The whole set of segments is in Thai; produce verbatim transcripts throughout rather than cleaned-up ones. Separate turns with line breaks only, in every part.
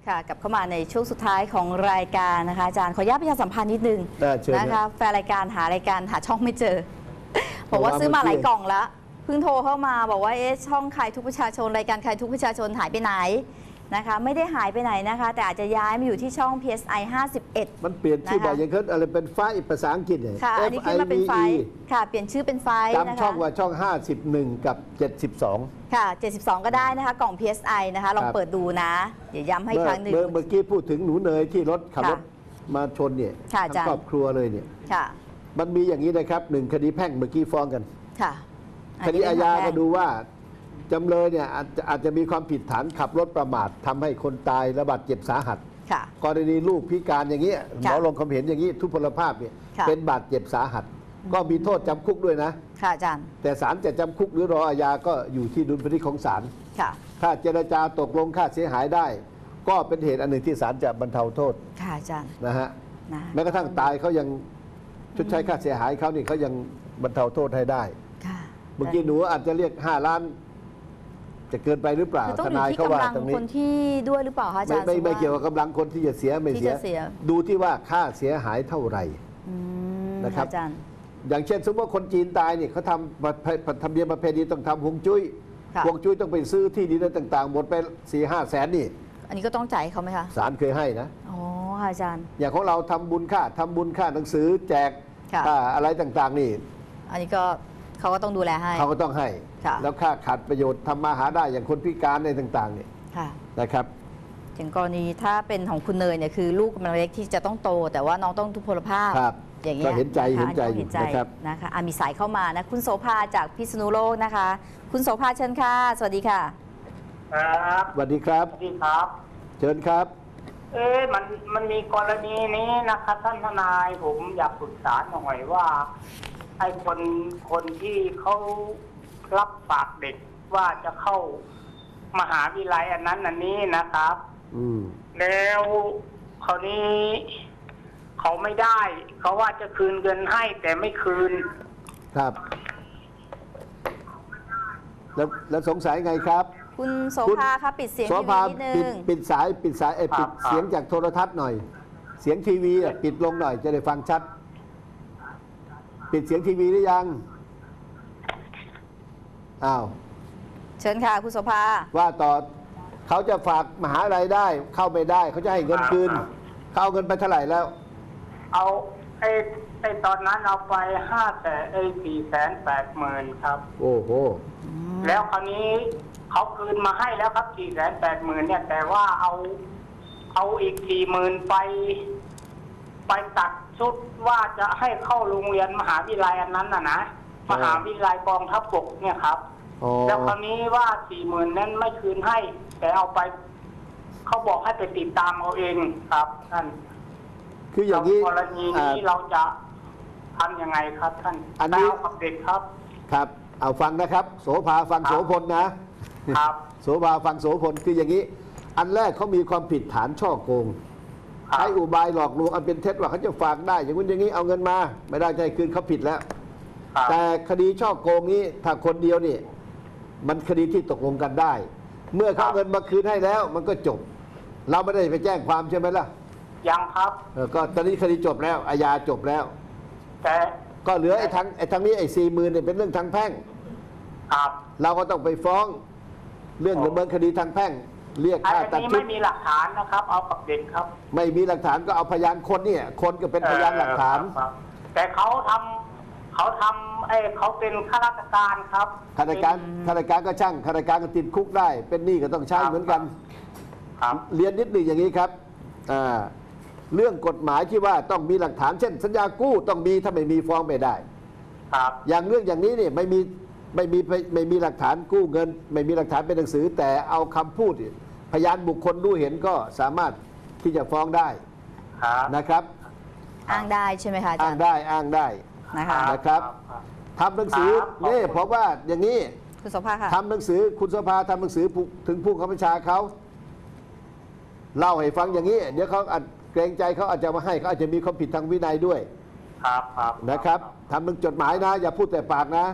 ค่ะกลับเข้ามาในช่วงสุดท้ายของรายการนะคะอาจารย์ขออนุญาตประชาสัมพันธ์นิดนึงนะคะแฟนรายการหารายการหาช่องไม่เจอบอกว่าซื้อมาหลายกล่องแล้วเพิ่งโทรเข้ามาบอกว่าเอ๊ะช่องใครทุกประชาชนรายการใครทุกประชาชนหายไปไหนนะคะไม่ได้หายไปไหนนะคะแต่อาจจะย้ายมาอยู่ที่ช่อง พี เอส ไอ ห้าสิบเอ็ด
มันเปลี่ยนชื่อบ่อยอย่างเช่นอะไรเป็นไฟภาษาอังกฤษเนี่ย
ค่ะอันนี้ขึ้นมาเป็นไฟค่ะเปลี่ยนชื่อเป็นไฟนะคะ
จำช่องว่าช่องห้าสิบเอ็ดกับเจ็ดสิบสอง
ค่ะเจ็ดสิบสองก็ได้นะคะกล่อง พี เอส ไอ นะคะลองเปิดดูนะเดี๋ยวย้ำให้ครั้งหนึ่ง
เมื่อกี้พูดถึงหนูเนยที่รถขับรถมาชนเนี่ยทั้งครอบครัวเลยเนี่ยมันมีอย่างนี้นะครับหนึ่งคดีแพ่งเมื่อกี้ฟ้องกัน
ค่ะ
คดีอาญาก็ดูว่าจำเลยเนี่ยอาจจะอาจจะมีความผิดฐานขับรถประมาททำให้คนตายและบาดเจ็บสาหัสกรณีลูกพิการอย่างนี้หมอลงความเห็นอย่างนี้ทุพพลภาพเนี่ยเป็นบาดเจ็บสาหัสก็มีโทษจำคุกด้วยนะ
ค่ะอาจารย์
แต่ศาลจะจำคุกหรือรออาญาก็อยู่ที่ดุลพินิจของศาลถ้าเจรจาตกลงค่าเสียหายได้ก็เป็นเหตุอันหนึ่งที่ศาลจะบรรเทาโทษ
ค่ะอาจารย์
นะฮะแม้กระทั่งตายเขายังชดใช้ค่าเสียหายเขานี่เขายังบรรเทาโทษให้ได้เมื่อกี้หนูอาจจะเรียกห้าล้านจะเกินไปหรือเปล่า
ทนายเขาว่าตรงนี้คนที่ด้วยหรือเปล่าคะอาจารย์
ไม่ไม่เกี่ยวกับกำลังคนที่จะเสียไม่เสียดูที่ว่าค่าเสียหายเท่าไหร่นะครับ
อาจารย์
อย่างเช่นสมมติว่าคนจีนตายเนี่ยเขาทำทำเนียมประเพณีต้องทำฮวงจุ้ยฮวงจุ้ยต้องไปซื้อที่ดินต่างๆหมดไปสี่ห้าแสนนี่
อันนี้ก็ต้องจ่ายเขาไหมคะ
ศาลเคยให้นะ
อ๋ออาจารย์
อย่างของเราทำบุญค่าทำบุญค่าหนังสือแจกอะไรต่างๆนี่
อันนี้ก็เขาก็ต้องดูแลให้
เขาก็ต้องให้แล้วค่าขาดประโยชน์ทำมาหาได้อย่างคนพิการในต่างๆเนี่ยนะครับ
อย่างกรณีถ้าเป็นของคุณเนยเนี่ยคือลูกกำลังเล็กที่จะต้องโตแต่ว่าน้องต้องทุพพลภาพ
อย่างเงี้ยก็เห็นใจเห็นใจนะครับ
นะคะมีสายเข้ามานะคุณโสภาจากพิษณุโลกนะคะคุณโสภาเชิญค่ะสวัสดีค่ะ
ครับ
สวัสดีครับ
สวัสดีครับ
เชิญครับ
เอ๊ะมันมันมีกรณีนี้นะครับท่านทนายผมอยากปรึกษาหน่อยว่าไอ้คนคนที่เขารับฝากเด็กว่าจะเข้ามหาวิทยาลัยอันนั้นอันนี้นะครับแล้วคราวนี้เขาไม่ได้เขาว่าจะคืนเงินให้แต่ไม่คืน
ครับแล้วแล้วสงสัยไงครับ
คุณโสภาครับปิดเสียงทีวีนิดนึง
ปิดสายปิดสายปิดเสียงจากโทรทัศน์หน่อยเสียงทีวีปิดลงหน่อยจะได้ฟังชัดปิดเสียงทีวีหรือยังอ้าว
เชิญค่ะคุณโสภา
ว่าต่อเขาจะฝากมหาลัยได้เข้าไม่ได้เขาจะให้เงินคืนเขาเอาเงินไปเท่าไหร่แล้ว
เอาไอ้ไอ้ตอนนั้นเอาไปห้าแสนไอ้สี่แสนแปดหมื่นครับ
โอ้โห
แล้วคราวนี้เขาคืนมาให้แล้วครับสี่แสนแปดหมื่นเนี่ยแต่ว่าเอาเอาอีกสี่หมื่นไปไปตัดชุดว่าจะให้เข้าโรงเรียนมหาวิทยาลัยอันนั้นน่ะนะมหาวิทยาลัยกองทัพบกเนี่ยครับแล้วคราวนี้ว่าสี่หมื่นนั้นไม่คืนให้แต่เอาไปเขาบอกให้ไปติดตามเอาเองครับท่าน
คืออย่างนี้
กรณีนี้เราจะทำยังไงครับท่าน
อันนี้
กับเด็กครับ
ครับเอาฟังนะครับโสภาฟังโสพลนะครับโสภาฟังโสพลคืออย่างนี้อันแรกเขามีความผิดฐานช่อโกงใช้อุบายหลอกลวงอันเป็นเท็จว่าเขาจะฝากได้อย่างนู้นอย่างนี้เอาเงินมาไม่ได้ใจคืนเขาผิดแล้วแต่คดีช่อโกงนี้ถ้าคนเดียวนี่มันคดีที่ตกลงกันได้เมื่อเขาเงินมาคืนให้แล้วมันก็จบเราไม่ได้ไปแจ้งความใช่ไหมล่ะ
ยังครับ
เออก็ตอนนี้คดีจบแล้วอาญาจบแล้ว
แต่
ก็เหลือไอ้ทางไอ้ทางนี้ไอ้สี่หมื่นเนี่ยเป็นเรื่องทางแพ่ง
ครับ
เราก็ต้องไปฟ้องเรื่องดำเนินคดีทางแพ่งเรียกค่าตัดชุด
ไม่มีหลักฐานนะครับเอากับเด็กครับ
ไม่มีหลักฐานก็เอาพยานคนเนี่ยคนก็เป็นพยานหลักฐาน
แต่เขาทำเขาทำไอ้เขาเป็นข้าราชการครับ
ข้าราชการข้าราชการก็ช่างข้าราชการก็ติดคุกได้เป็นหนี้ก็ต้องใช้เหมือนกันเรียนนิดหนึ่งอย่างนี้ครับเรื่องกฎหมายที่ว่าต้องมีหลักฐานเช่นสัญญากู้ต้องมีถ้าไม่มีฟ้องไม่ได้อย่างเรื่องอย่างนี้เนี่ยไม่มีไม่มีไม่มีหลักฐานกู้เงินไม่มีหลักฐานเป็นหนังสือแต่เอาคำพูดพยานบุคคลรู้เห็นก็สามารถที่จะฟ้องได้นะครับ
อ้างได้ใช่ไหมคะอาจารย์
อ้างได้อ้างได้นะครับทำหนังสือนี่เพราะว่าอย่างนี้
คุณโสภาค่ะ
ทำหนังสือคุณโสภาทำหนังสือถึงผู้ข้าราชการเขาเล่าให้ฟังอย่างนี้เดี๋ยวเขาเกรงใจเขาอาจจะมาให้เขาอาจจะมีความผิดทางวินัยด้วย
ครับครับ
นะครับทำหนึ่งจดหมายนะอย่าพูดแต่ปากนะ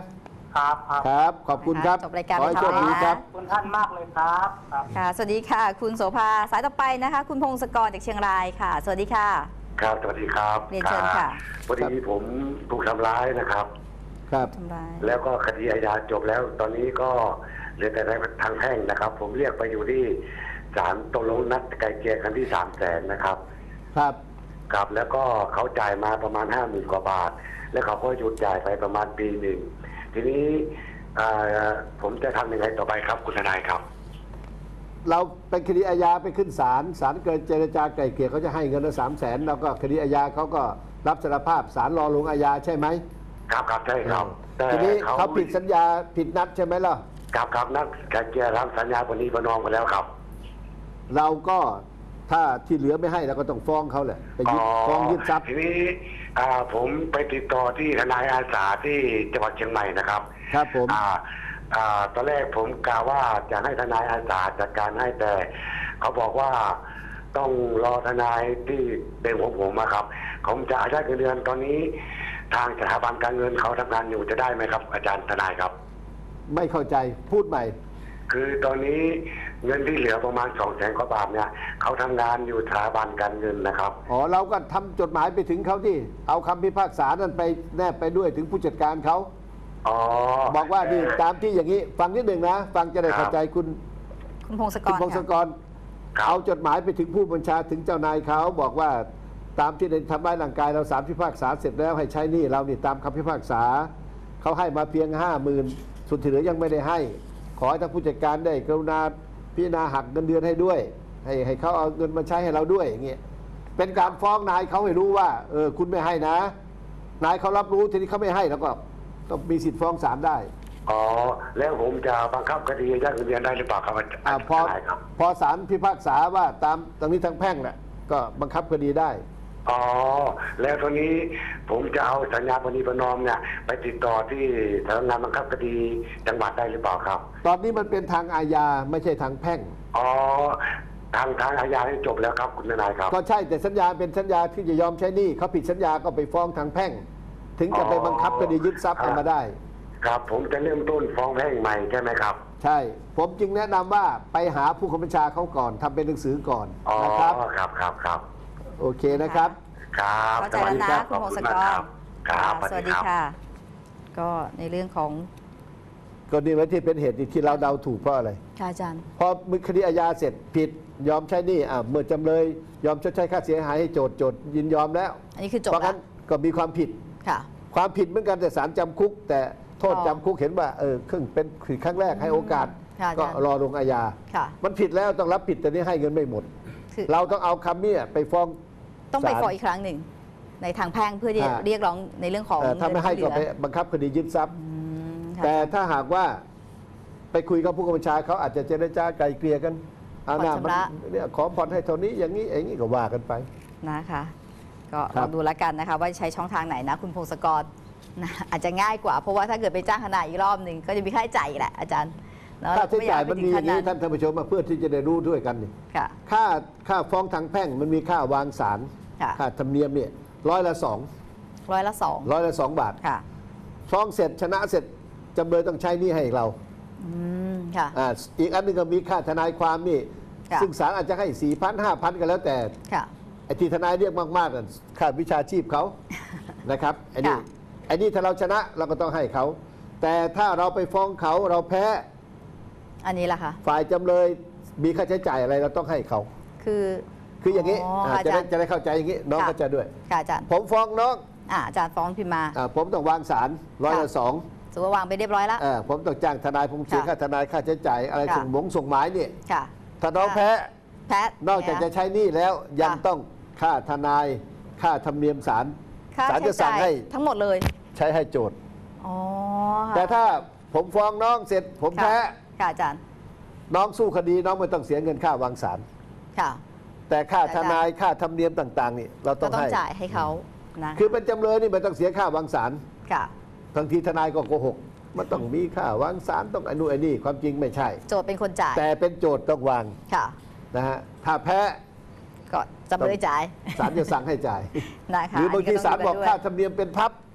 ครับครับ
ครับ ขอบคุณครับ
จบรายการ
ขอให้
ไป
โชค
ทำ
ดี
เลยนะ
ครับ
ขอบคุณท่านมากเลยครับครับ
ค่ะ สวัสดีค่ะ คุณโสภาสายต่อไปนะคะ คุณพงศกรจากเชียงรายค่ะ สวัสดีค่ะ
ครับสวัสดีครับ
เรียนเชิญค่ะ
พอดีผมถูกทำร้ายนะครับ
ครับ
ทำร้าย
แล้วก็คดีอาญาจบแล้ว ตอนนี้ก็เหลือแต่ทางแพ่งนะครับ ผมเรียกไปอยู่ที่ศาลตกลงนัดไกลเกลี่ยกันที่สามแสนนะครับ
ครับ
ครับแล้วก็เขาจ่ายมาประมาณห้าหมื่นกว่าบาท แล้วเขาก็หยุดจ่ายไปประมาณปีหนึ่งทีนี้อ่าผมจะทำยังไงต่อไปครับคุณทนายครับ
เราเป็นคดีอาญาไปขึ้นศาลศาลเกิดเจรจาไกล่เกลี่ยเขาจะให้เงินละสามแสนแล้วก็คดีอาญาเขาก็รับสารภาพศาลรอลงอาญาใช่ไหม
ครับครับใช่ครับแต่
ทีนี้เขาผิดสัญญาผิดนัดใช่ไหมล่ะ
ครับครับนัดไกลเกลี่ยทำสัญญาปณีประนอมกันแล้วครับ
เราก็ถ้าที่เหลือไม่ให้เราก็ต้องฟ้องเขาแหละไปยึดฟ้องยึดทรัพย์
ทีนี้อ่าผมไปติดต่อที่ทนายอาสาที่จังหวัดเชียงใหม่นะครับ
ครับผม
อ่าอ่าตอนแรกผมกล่าวว่าจะให้ทนายอาสาจัดการให้แต่เขาบอกว่าต้องรอทนายที่เป็นของผมอะครับผมจะอายัดเงินเดือนตอนนี้ทางสถาบันการเงินเขาทำงานอยู่จะได้ไหมครับ อาจารย์ทนายครับ
ไม่เข้าใจพูดใหม่
คือตอนนี้เงินที่เหลือประมาณสองแสนกว่าบาทเนี่ยเขาทำงานอยู่สถาบันการเงินนะครับ
อ๋อเราก็ทำจดหมายไปถึงเขาที่เอาคำพิพากษานั้นไปแนบไปด้วยถึงผู้จัดการเขา
อ๋อ
บอกว่านี่ตามที่อย่างนี้ฟังนิดหนึ่งนะฟังจะได้
ครับ
เข้าใจคุณ
คุณพงศก
คุณ
ร
พงศก
ค่ะ
ร
ครับ
เอาจดหมายไปถึงผู้บัญชาถึงเจ้านายเขาบอกว่าตามที่ได้ทำร้ายร่างกายเราสารพิพากษาเสร็จแล้วให้ใช้หนี้เรานี่ตามคำพิพากษาเขาให้มาเพียงห้าหมื่นส่วนที่เหลือยังไม่ได้ให้ ขอให้ทางผู้จัดการได้กรุณาพิจารณาหักเงินเดือนให้ด้วย ให้ให้เขาเอาเงินมาใช้ให้เราด้วยอย่างเงี้ยเป็นการฟ้องนายเขาให้รู้ว่าเออคุณไม่ให้นะ นายเขารับรู้ทีนี้เขาไม่ให้แล้วก็ต้องมีสิทธิ์ฟ้องศาลได้
อ๋อแล้วผมจะบังคับคดีอายัดเงินเดือนได้หรือเปล่าครับอาจารย์
อ่าพอ
ทนายครับ
พอศาลพิพากษาว่าตามตรงนี้ทางแพ่งแหละก็บังคับคดีได้
อ๋อแล้วตอนนี้ผมจะเอาสัญญาปณีประนอมเนี่ยไปติดต่อที่สำนักงานบังคับคดีจังหวัดได้หรือเปล่าครับ
ตอนนี้มันเป็นทางอาญาไม่ใช่ทางแพ่ง
อ๋อทางทางอาญาให้จบแล้วครับคุณทนายครับ
ก็ใช่แต่สัญญาเป็นสัญญาที่จะยอมใช้หนี้เขาผิดสัญญาก็ไปฟ้องทางแพ่ง ถึงจะไปบังคับคดียึดทรัพย์
ครับ
เอามาได้
ครับผมจะเริ่มต้นฟ้องแพ่งใหม่ใช่ไหมครับ
ใช่ ผมจึงแนะนำว่าไปหาผู้กำกับบัญชาเขาก่อนทำเป็นหนังสือก่อน
อ๋อ
นะครับ
ครับครับครับ
โอเคนะครับ
ครับ
เข้าใจแล้วนะ
ข
คุ
อ
ณ
บ
พงศ
ณ
ก
มาร ครับครับ
สวัสดีค่ะ ก็ในเรื่องของ
ก็นี่แหละที่เป็นเหตุที่เราเดาถูกเพราะอะไร
ค่ะอาจารย์
พอมือคดีอาญาเสร็จผิดยอมใช้หนี้อ่ะเมื่อจำเลยยอมชดใช้ค่าเสียหายให้โจทย์โจทย์ยินยอมแล้ว
อันนี้คือจบ
เพราะ
แล้
งั้
วน
ก็มีความผิด
ค่ะ
ความผิดเหมือนกันแต่ศาลจำคุก แต่โทษ
อ๋อ
จำคุกเห็นว่าเออครึ่งเป็นครั้งแรกให้โอกาส
ค่ะ
ก็
อาจารย์
รอลงอาญา
ค่ะ
มันผิดแล้วต้องรับผิดแต่นี่ให้เงินไม่หมด
คือ
เราต้องเอาคำเนี้ไปฟ้อง
ต้องไป
ศาล
ฟ้องอีกครั้งหนึ่ง ในทางแพ่งเพื่อที่จะ
อ่า
เรียกร้องในเรื่องของ
เอ่อถ้าไม่ให้ก็ไป
เงินที่เหลือ
บังคับคดียึดทรัพย์
อืมค่ะ
แต่ถ้าหากว่าไปคุยกับผู้กำกับบัญชาเขาอาจจะเจรจาไกลเกลี่ยกันเอาหน้ามันเนี่ยขอผ่อนให้เท่านี้อย่างนี้อย่างนี้ก็ว่ากันไป
นะคะ ก็
ครั
ล
บ
องดูแล้วกันนะคะ ว่าใช้ช่องทางไหนนะ คุณพงศกรนะอาจจะง่ายกว่า เพราะว่าถ้าเกิดไปจ้างทนายอีกรอบหนึ่งก็จะมีค่าใช้จ่ายอีกแหละอาจารย์เนอะ
ค่าใช้จ่าย
เร
มัน
ก็
มี
ไอ
อย่างนี้
ถึ
ท่านท่านผู้ชมมาเพื่อที่จะได้รู้ด้วยกันนี่
ค่ะ
ค่าค่าฟ้องทางแพ่งมันมีค่าวางศาล
ค่ะ
ค่าธรรมเนียมเนี่ยร้อยละสอง
ร้อยละสอง
ร้อยละสองบาท
ค่ะ
ฟ้องเสร็จชนะเสร็จจำเลยต้องใช้หนี้ให้เรา
อืมค่ะ
อ่าอีกอันหนึงก็มีค่าทนายความนี่
ค่ะ
ซึ่งศาลอาจจะให้สี่พันห้าพันก็แล้วแต่
ค่ะ
ไอ้ที่ทนายเรียกมากๆนั่นค่าวิชาชีพเขา นะครับไอ้นี่
ค่ะ
ไอ้นี่ถ้าเราชนะเราก็ต้องให้เขา แต่ถ้าเราไปฟ้องเขาเราแพ้
อันนี้ล่ะคะ
ฝ่ายจำเลยมีค่าใช้จ่ายอะไรเราต้องให้เขา
คือ
คืออย่างนี้
อ๋ออ่
า
อา
จะ
จา
ได้
รย์
จะได้เข้าใจอย่างนี้น้อง
ค่ะ
เข้าใจด้วย
ค่ะอาจารย์
ผมฟ้องน้อง
อ่าอาจารย์ฟ้องพิมพ์มา
อ่าผมต้องวางศาลร้อยละสอง
ถือว่าวางไปเรียบร้อยแล้ว
อ่าผมต้องจ้างทนายผมเสีย
ค่ะ
ค่าทนายค่าใช้จ่ายอะไร
ค่ะ
ส่งหมงส่งหมายเนี่ย
ค่ะ
ถ้าน้อง
ค่ะ
แพ้
แพท
นอกจากจะใช้หนี้แล้วยัง
ค่ะ
ต้องค่าทนายค่าธรรมเนียมศาล
ค่า
ศาล
ใช้
จะสั่
จ่าง ย
ให้
ทั้งหมดเลย
ใช้ให้โจทย์
อ๋อ
แต่ถ้าผมฟ้องน้องเสร็จ ผม
ค่ะ
แพ้
ค่ะอาจารย์
น้องสู้คดีน้องไม่ต้องเสียเงินค่าวางศาล
ค่ะ
แต่ค่า
แต่
ทนายค่าธรรมเนียมต่าง ๆ นี่เราต้
ก็
อง
ต้อง
ให้
จ่ายให้เขานะ
คือเป็นจำเลยนี่ไม่ต้องเสียค่าวางศาล
ค่ะ
บางทีทนายก็โกหกมันต้องมีค่าวางศาลต้องไอ้นู่นไอ้นี่ความจริงไม่ใช่
โจทย์เป็นคนจ่าย
แต่เป็นโจทย์ต้องวาง
ค่ะ
นะฮะถ้าแพ้
ก็จำเลยจ่าย
ศาลจะสั่งให้จ่าย
นะคะ
หรือบางทีศาลบอก
นนี้
ค่า
ต้งดู
ธรรมเนียมเป็นพับ ก็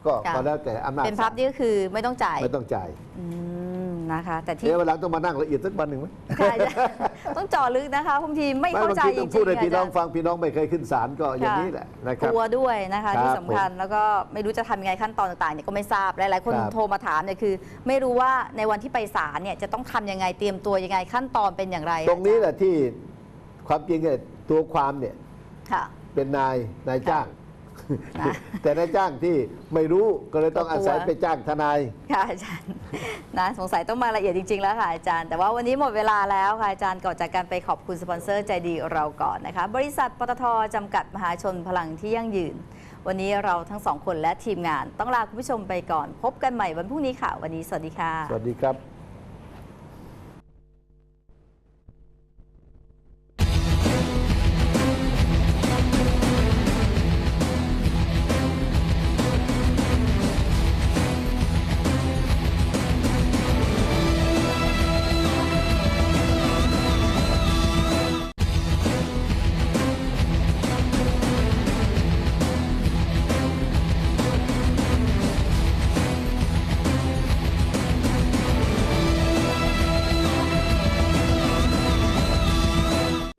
ก็
ค่ะ
ก็แล้วแต่อำนาจ
เป็นพับนี่ก็คือไม่ต้องจ่าย
ไม่ต้องจ่าย
อืมนะคะ แต่ที่
เดี๋ยวเวลาต้องมานั่งละเอียดสักวันหนึ่งไหม
ค่ะอาจารย์ต้องเจาะลึกนะคะบางทีไม่เข้าใจ
บางที
จ
ต้
ริ
อง งพูดให้
ๆ
พี่น้อง
อาจารย์
ฟังพี่น้องไม่เคยขึ้นศาลก็อย่างนี้แหละนะค
ก
รับ
ลัวด้วยนะคะ
ครับ
ที่สำคัญแล้วก็ไม่รู้จะทำยังไงขั้นตอนต่างๆเนี่ยก็ไม่ทราบหลายๆคน
ครับ
โทรมาถามเนี่ยคือ ไม่รู้ว่าในวันที่ไปศาลเนี่ยจะต้องทำยังไงเตรียมตัวยังไงขั้นตอนเป็นอย่างไร
ตรงนี้แหละที่ความจริงเนี่ยตัวความเนี่ย
ค่ะ
เป็นนายนายจ้าง
นะ
แต่นายจ้างที่ไม่รู้ก็เลยต้อง
ก็กลัว
อาศัยไปจ้างทนาย
ค่ะอาจารย์นะสงสัยต้องมาละเอียดจริง ๆ แล้วค่ะอาจารย์ แต่ว่าวันนี้หมดเวลาแล้วค่ะอาจารย์ก่อนจากการไปขอบคุณสปอนเซอร์ใจดีเราก่อนนะคะ บริษัทปตทจำกัดมหาชนพลังที่ยั่งยืน วันนี้เราทั้งสองคนและทีมงาน ต้องลาคุณผู้ชมไปก่อน พบกันใหม่วันพรุ่งนี้ค่ะ วันนี้สวัสดีค่ะ
สวัสดีครับ